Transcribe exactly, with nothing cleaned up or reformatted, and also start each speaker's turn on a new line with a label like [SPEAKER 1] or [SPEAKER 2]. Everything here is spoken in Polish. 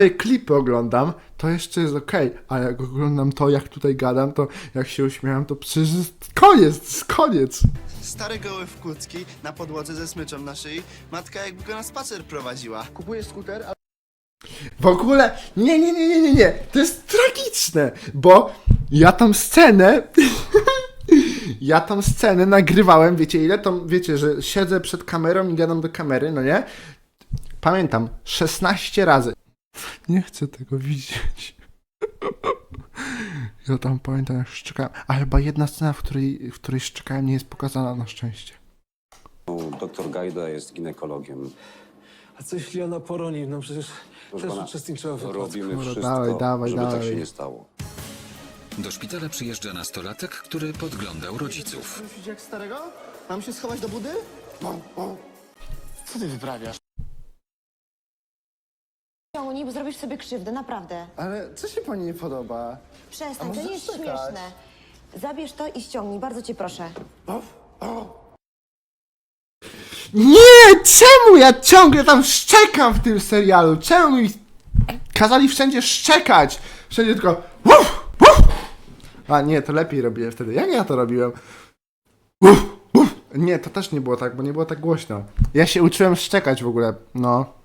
[SPEAKER 1] klipy oglądam, to jeszcze jest okej, a jak oglądam to, jak tutaj gadam, to jak się uśmiecham, to przecież jest koniec, to jest koniec.
[SPEAKER 2] Stary goły w kucki, na podłodze ze smyczą na szyi. Matka jakby go na spacer prowadziła. Kupujesz skuter, a...
[SPEAKER 1] W ogóle, nie, nie, nie, nie, nie, nie, to jest tragiczne, bo ja tą scenę, ja tą scenę nagrywałem, wiecie ile, to wiecie, że siedzę przed kamerą i gadam do kamery, no nie? Pamiętam, szesnaście razy. Nie chcę tego widzieć. Ja tam pamiętam, jak szczekałem, a chyba jedna scena, w której, w której szczekałem, nie jest pokazana na szczęście.
[SPEAKER 3] Doktor Gajda jest ginekologiem.
[SPEAKER 4] A co jeśli ona poroni? No przecież
[SPEAKER 3] Proszę
[SPEAKER 4] też
[SPEAKER 3] pana,
[SPEAKER 4] uczestniczyła w wypadku.
[SPEAKER 3] robimy
[SPEAKER 1] Dobra,
[SPEAKER 3] wszystko,
[SPEAKER 1] dawaj, dawaj,
[SPEAKER 3] żeby tak
[SPEAKER 1] dawaj.
[SPEAKER 3] się nie stało.
[SPEAKER 5] Do szpitala przyjeżdża nastolatek, który podglądał rodziców.
[SPEAKER 2] Myślisz jak starego? Mam się schować do budy? Co ty wyprawiasz?
[SPEAKER 6] Ciągnij, bo zrobisz sobie krzywdę, naprawdę.
[SPEAKER 2] Ale co się pani nie podoba?
[SPEAKER 6] Przestań,
[SPEAKER 2] A
[SPEAKER 6] to
[SPEAKER 2] może
[SPEAKER 6] nie jest
[SPEAKER 2] czekać?
[SPEAKER 6] śmieszne. Zabierz to i ściągnij, bardzo cię proszę.
[SPEAKER 1] Nie! Czemu ja ciągle tam szczekam w tym serialu? Czemu mi kazali wszędzie szczekać? Wszędzie tylko uf, uf. A nie, to lepiej robiłem wtedy. Jak ja to robiłem? Uf, uf. Nie, to też nie było tak, bo nie było tak głośno. Ja się uczyłem szczekać w ogóle, no.